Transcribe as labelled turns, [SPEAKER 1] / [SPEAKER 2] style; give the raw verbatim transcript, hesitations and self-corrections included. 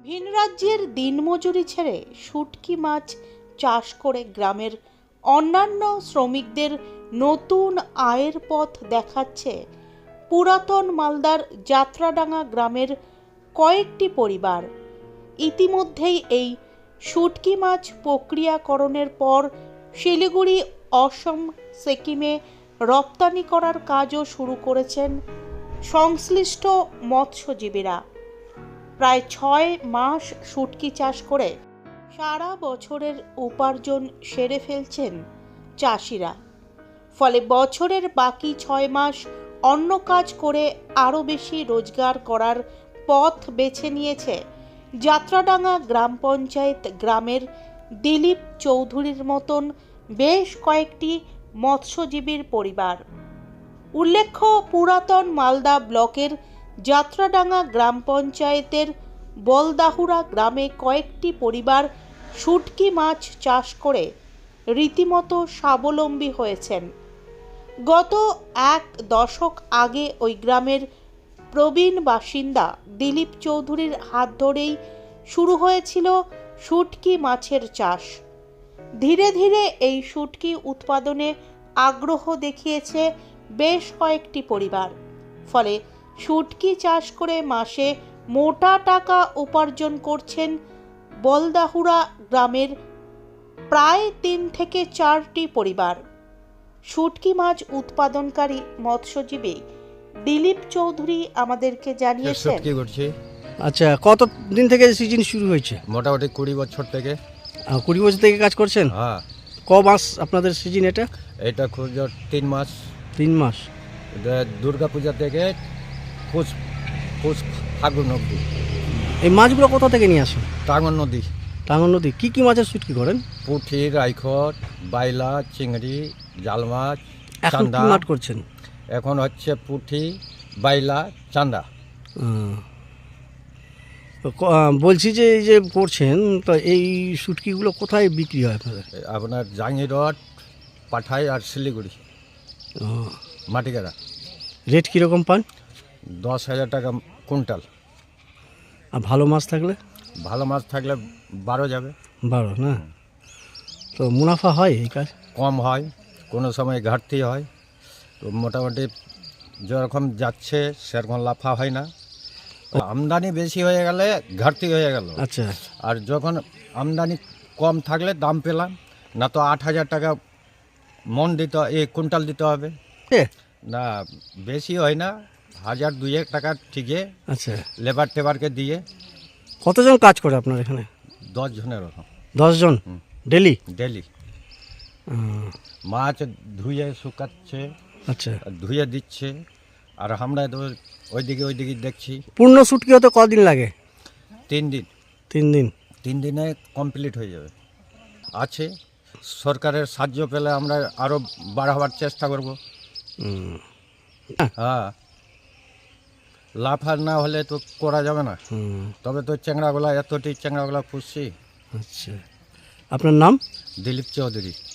[SPEAKER 1] ভিন রাজ্যের দিনমজুরি ছেড়ে শুটকি মাছ চাষ করে গ্রামের অন্যান্য শ্রমিকদের নতুন আয়ের পথ দেখাচ্ছে পুরাতন মালদার যাত্রাডাঙ্গা গ্রামের কয়েকটি পরিবার। ইতিমধ্যেই এই শুটকি মাছ প্রক্রিয়াকরণের পর শিলিগুড়ি, অসম, সিকিমে রপ্তানি করার কাজও শুরু করেছেন সংশ্লিষ্ট মৎস্যজীবীরা। প্রায় ছয় মাস শুটকি চাষ করে সারা বছরের উপার্জন সেরে ফেলছেন চাষিরা। ফলে বছরের বাকি ছয় মাস অন্য কাজ করে আরও বেশি রোজগার করার পথ বেছে নিয়েছে যাত্রাডাঙ্গা গ্রাম পঞ্চায়েত গ্রামের দিলীপ চৌধুরীর মতন বেশ কয়েকটি মৎস্যজীবীর পরিবার। উল্লেখ্য, পুরাতন মালদা ব্লকের যাত্রাডাঙ্গা গ্রাম পঞ্চায়েতের বলদাহুরা গ্রামে কয়েকটি পরিবার শুটকি মাছ চাষ করে রীতিমতো স্বাবলম্বী হয়েছেন। গত এক দশক আগে ওই গ্রামের প্রবীণ বাসিন্দা দিলীপ চৌধুরীর হাত ধরেই শুরু হয়েছিল শুটকি মাছের চাষ। ধীরে ধীরে এই শুটকি উৎপাদনে আগ্রহ দেখিয়েছে বেশ কয়েকটি পরিবার। ফলে শুটকি চাষ করে মাসে মোটা টাকা উপার্জন করছেন বলদাহুরা গ্রামের প্রায় তিন থেকে চারটি পরিবার। শুটকি মাছ উৎপাদনকারী মৎস্যজীবী দিলীপ চৌধুরী আমাদেরকে জানিয়েছেন,
[SPEAKER 2] আচ্ছা, কত দিন থেকে সিজন শুরু হয়েছে?
[SPEAKER 3] মোটামুটি কুড়ি বছর থেকে।
[SPEAKER 2] কুড়ি বছর থেকে কাজ করছেন?
[SPEAKER 3] হ্যাঁ।
[SPEAKER 2] ক মাস আপনাদের সিজন এটা?
[SPEAKER 3] এটা খুব তিন মাস।
[SPEAKER 2] তিন মাস।
[SPEAKER 3] দুর্গা পূজা থেকে পুষ পুষ ফাগুন অব্দি।
[SPEAKER 2] এই মাছগুলো কোথা থেকে নিয়ে আসেন?
[SPEAKER 3] টাঙ্গন নদী।
[SPEAKER 2] টাঙ্গন নদী। কি কি মাছের শুটকি করেন?
[SPEAKER 3] পুঁটি, রাইখট, বাইলা, চিংড়ি, জাল মাছ,
[SPEAKER 2] এখন
[SPEAKER 3] চান্দা।
[SPEAKER 2] কি মাছ করছেন?
[SPEAKER 3] এখন হচ্ছে পুঁটি, বাইলা, চান্দা।
[SPEAKER 2] বলছি যে এই যে করছেন, তো এই শুটকিগুলো কোথায় বিক্রি হয় আপনাদের?
[SPEAKER 3] আপনার জাঙ্গিরট, পাঠাই আর শিলিগুড়ি, মাটিগাড়া।
[SPEAKER 2] রেট কীরকম পান?
[SPEAKER 3] দশ হাজার টাকা কুইন্টাল।
[SPEAKER 2] আর ভালো মাছ থাকলে?
[SPEAKER 3] ভালো মাছ থাকলে বারো যাবে।
[SPEAKER 2] বারো না? তো মুনাফা হয় এই কাজ?
[SPEAKER 3] কম হয়, কোনো সময় ঘাটতি হয়। তো মোটামুটি যেরকম যাচ্ছে সেরকম লাফা হয় না। আমদানি বেশি হয়ে গেলে ঘাটতি হয়ে গেল।
[SPEAKER 2] আচ্ছা।
[SPEAKER 3] আর যখন আমদানি কম থাকলে দাম পেলাম না, তো আট হাজার টাকা মন দিতে, এই কুইন্টাল দিতে হবে। না বেশি হয় না, হাজার দুই এক টাকা ঠিকই।
[SPEAKER 2] আচ্ছা।
[SPEAKER 3] লেবার টেবারকে দিয়ে।
[SPEAKER 2] কতজন কাজ করে আপনার এখানে?
[SPEAKER 3] দশ জনের ওরকম।
[SPEAKER 2] দশ জন ডেলি?
[SPEAKER 3] ডেলি। মাছ ধুয়ে শুকাচ্ছে,
[SPEAKER 2] আচ্ছা,
[SPEAKER 3] ধুয়ে দিচ্ছে, আর আমরা তো ওইদিকে ওইদিকে দেখছি।
[SPEAKER 2] পূর্ণ শুটকি হতে কদিন লাগে?
[SPEAKER 3] তিন দিন।
[SPEAKER 2] তিন দিন? তিন
[SPEAKER 3] দিনে কমপ্লিট হয়ে যাবে। আছে, সরকারের সাহায্য পেলে আমরা আরও বাড়াবার চেষ্টা করব। হ্যাঁ, লাফার না হলে তো করা যাবে না। তবে তো চ্যাংড়াগুলা, এতটি চ্যাংড়াগুলা পুষছি।
[SPEAKER 2] আচ্ছা, আপনার নাম?
[SPEAKER 3] দিলীপ চৌধুরী।